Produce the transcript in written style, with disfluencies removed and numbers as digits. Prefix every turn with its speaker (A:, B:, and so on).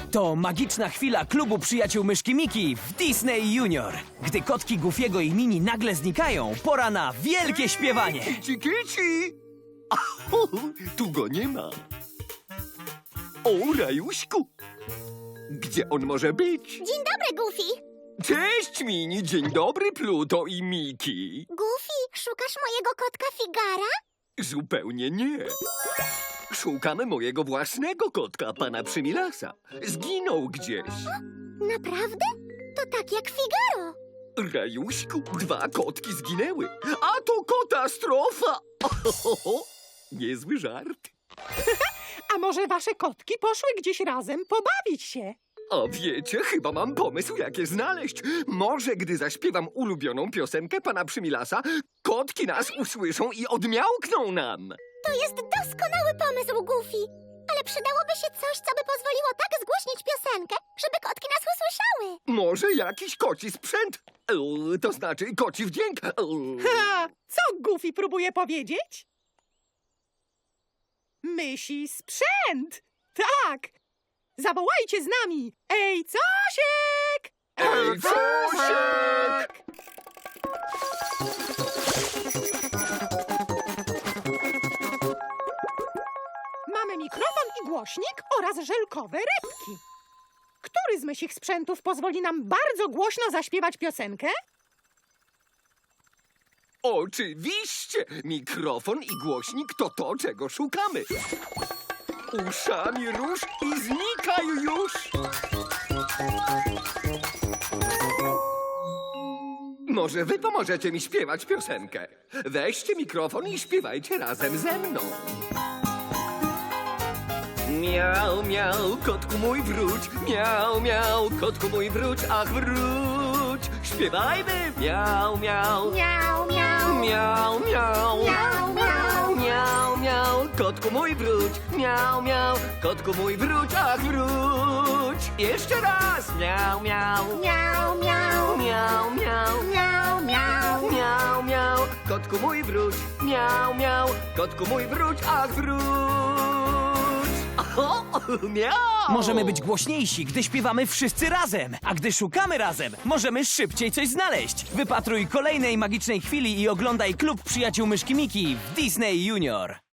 A: To magiczna chwila klubu przyjaciół myszki Miki w Disney Junior. Gdy kotki Goofiego i Mini nagle znikają, pora na wielkie śpiewanie.
B: Kici, kici! Aho, tu go nie ma. O, Rajuśku! Gdzie on może być?
C: Dzień dobry, Goofy.
B: Cześć, Mini! Dzień dobry, Pluto i Miki!
C: Goofy, szukasz mojego kotka Figara?
B: Zupełnie nie. Szukamy mojego własnego kotka, pana Przymilasa. Zginął gdzieś.
C: Naprawdę? To tak jak Figaro.
B: Rajuśku, 2 kotki zginęły. A to katastrofa! Ohoho, niezły żart.
D: A może wasze kotki poszły gdzieś razem pobawić się?
B: A wiecie, chyba mam pomysł, jak je znaleźć. Może gdy zaśpiewam ulubioną piosenkę pana Przymilasa, kotki nas usłyszą i odmiałkną nam.
C: To jest doskonały pomysł, Goofy. Ale przydałoby się coś, co by pozwoliło tak zgłośnić piosenkę, żeby kotki nas usłyszały.
B: Może jakiś koci sprzęt? To znaczy koci wdźwięk.
D: Ha! Co Goofy próbuje powiedzieć? Mysi sprzęt! Tak! Zawołajcie z nami! Ej, Cosiek!
B: Ej, Cosiek!
D: Mamy mikrofon i głośnik oraz żelkowe rybki. Który z mysich sprzętów pozwoli nam bardzo głośno zaśpiewać piosenkę?
B: Oczywiście! Mikrofon i głośnik to to, czego szukamy. Uszami rusz i znikaj już! Może wy pomożecie mi śpiewać piosenkę? Weźcie mikrofon i śpiewajcie razem ze mną. Miau, miau, kotku mój wróć. Miau, miau, kotku mój wróć, ach wróć. Śpiewajmy. Miau, miau.
C: Miau, miau.
B: Miau, miau.
C: Miau, miau.
B: Miau, miau, kotku mój wróć. Miau, miau, kotku mój wróć, ach wróć. Jeszcze raz. Miau, miau.
C: Miau, miau.
B: Miau, miau.
C: Miau, miau.
B: Miau, miau, kotku mój wróć. Miau, miau, kotku mój wróć, ach wróć. O, miau!
A: Możemy być głośniejsi, gdy śpiewamy wszyscy razem, a gdy szukamy razem, możemy szybciej coś znaleźć. Wypatruj kolejnej magicznej chwili i oglądaj klub przyjaciół myszki Miki w Disney Junior.